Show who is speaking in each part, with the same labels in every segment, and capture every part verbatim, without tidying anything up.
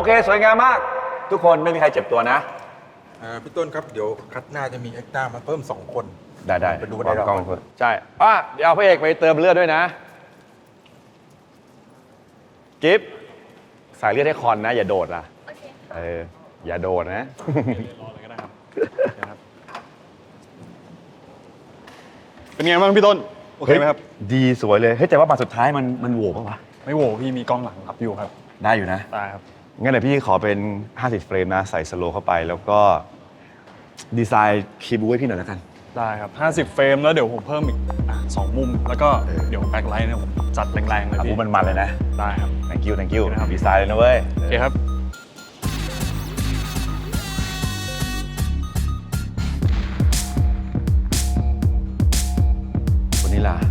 Speaker 1: เคสวยงามมาก ทุกคนไม่มีใครเจ็บตัวนะ
Speaker 2: พี่ต้นครับเดี๋ยวคัดหน้าจะมีเอ็กซ์ต้ามาเพิ่มสองคน
Speaker 1: ได้ได้
Speaker 2: ไปดูได้
Speaker 1: กล้องใช่อ่ะเดี๋ยวเอาพระเอกไปเติมเลือดด้วยนะกิฟสายเลือดให้คอนนะ อย่าโดดล่ะเอออย่าโดดนะรอเลยก็ได้ครับเป็นไงบ้างพี่ต้นโอเคไหมครับดีสวยเลยเฮ้ยแต่ว่าบัตรสุดท้ายมันมันโหวกปะวะ
Speaker 3: ไม่โหวพี่มีกล้องหลังรับอยู่ครับ
Speaker 1: ได้อยู่นะ
Speaker 3: ได้ครับ
Speaker 1: งั้นเดี๋ยวพี่ขอเป็นห้าสิบเฟรมนะใส่สโลว์เข้าไปแล้วก็ดีไซน์คีย์บูให้พี่หน่อยแล้วกัน
Speaker 3: ได้ครับห้าสิบเฟรมแล้วเดี๋ยวผมเพิ่มอีกอ่ะสองมุมแล้วก็เดี๋ยวแบ็คไลท์เนี่ยผมจัดแรงๆเลยพี่
Speaker 1: มันมันเลยนะ
Speaker 3: ได้ครับ
Speaker 1: thank you thank you ดีไซน์เลยนะเว้ย
Speaker 3: โอเคครับ
Speaker 1: วันนี้ล่ะ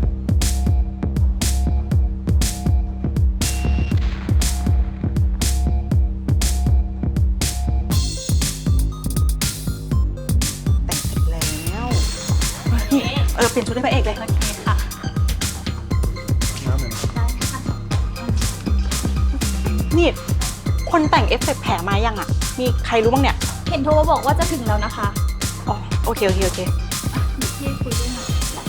Speaker 4: เออเปลี่ยนชุดให้พระเอกเลยโอเคค่ะนี่คนแต่งเอฟเฟกต์แผลมายังอ่ะมีใครรู้บ้างเนี่ย
Speaker 5: เห็นโทรมาบอกว่าจะถึงแล้วนะคะ
Speaker 4: อ๋อโอเคโอเคโอเค
Speaker 5: พี่คุยด้วยนะ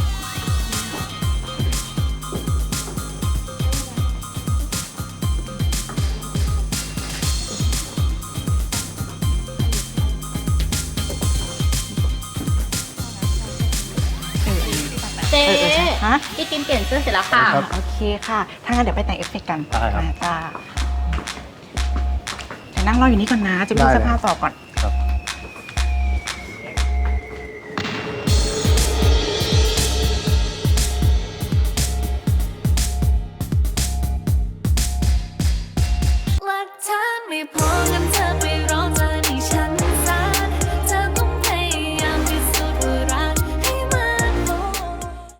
Speaker 5: เจ๊
Speaker 4: ฮะ
Speaker 5: พี่กินเปลี่ยนเสื้อเสร็จแล้วค่ะ
Speaker 4: โอเคค่ะถ้างั้นเดี๋ยวไปแต่งเอฟเฟกต์กัน
Speaker 3: ได้ครับ
Speaker 4: จ้าแต่นั่งรออยู่นี่ก่อนนะจะดูเสื้อผ้าต่อก่อน